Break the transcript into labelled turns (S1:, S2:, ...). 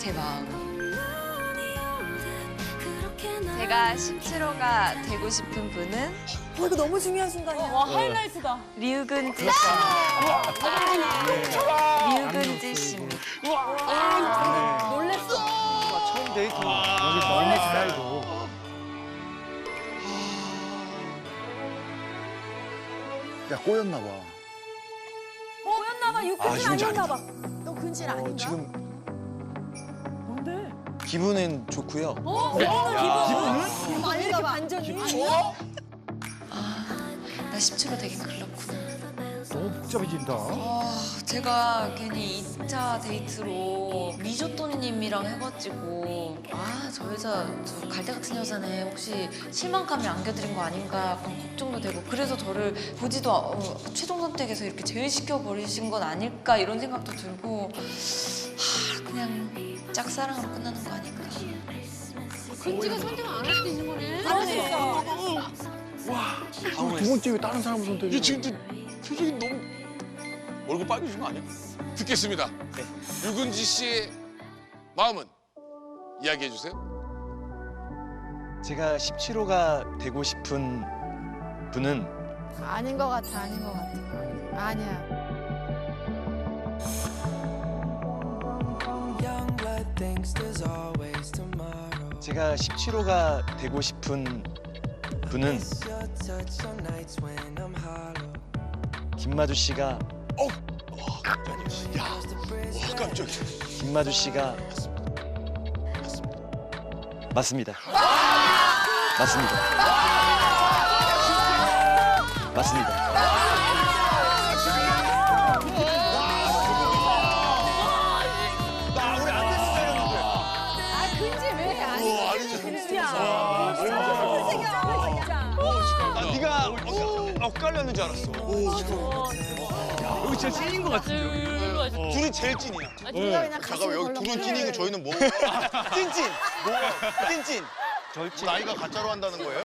S1: 제 마음. 제가 17호가 되고 싶은 분은
S2: 이거 너무 중요한 순간이야.
S3: 와 하이라이트다.
S1: 류근지 씨. 류근지 씨입니다.
S3: 놀랬어.
S4: 처음 데이트. 여기 너무 잘 알고.
S5: 야, 꼬였나 봐.
S2: 꼬였나봐. 육근진 아니었나봐. 너 근진 아닌가?
S5: 지금
S3: 뭔데?
S5: 기분은 좋고요.
S2: 기분은? 아닌가 봐. 반전이.
S1: 나 17호 되긴 그렇구나.
S4: 너무 복잡해진다.
S1: 제가 괜히 2차 데이트로 미조또니님이랑 해가지고 저 여자 저 갈대 같은 여자네 혹시 실망감을 안겨드린 거 아닌가 약간 걱정도 되고 그래서 저를 보지도 최종 선택에서 이렇게 제외시켜버리신 건 아닐까 이런 생각도 들고 그냥 짝사랑으로 끝나는 거 아닌가.
S6: 근지가 선택을 안 할 수도 있는 거네.
S5: 두 번째 왜 다른 사람을 선택해?
S7: 이게 지금 표정이 너무 얼굴 빨개진 거 아니야? 듣겠습니다. 류근지 씨의 마음은 이야기해 주세요.
S8: 제가 17호가 되고 싶은 분은
S6: 아닌 것 같아, 아닌 것 같아. 아니야.
S8: 제가 17호가 되고 싶은 분은 김마주 씨가
S7: 깜짝이야. 야, 와 깜짝이야.
S8: 김마주 씨가 맞습니다. 맞습니다. 맞습니다.
S7: 나 우리 안 됐을 줄
S6: 아, 근지 왜 아니?
S7: 알았는데. 아니지.
S2: 근지야.
S7: 아, 네가 엇갈렸는 줄 알았어.
S4: 여기 진짜 찐인 것 같은데.
S7: 둘이 제일 찐이야.
S6: 네가 그냥
S7: 잠깐만 여기 둘은 찐이고 저희는 뭐? 찐찐. 찐찐.
S8: 절친.
S7: 나이가 가짜로 한다는 거예요?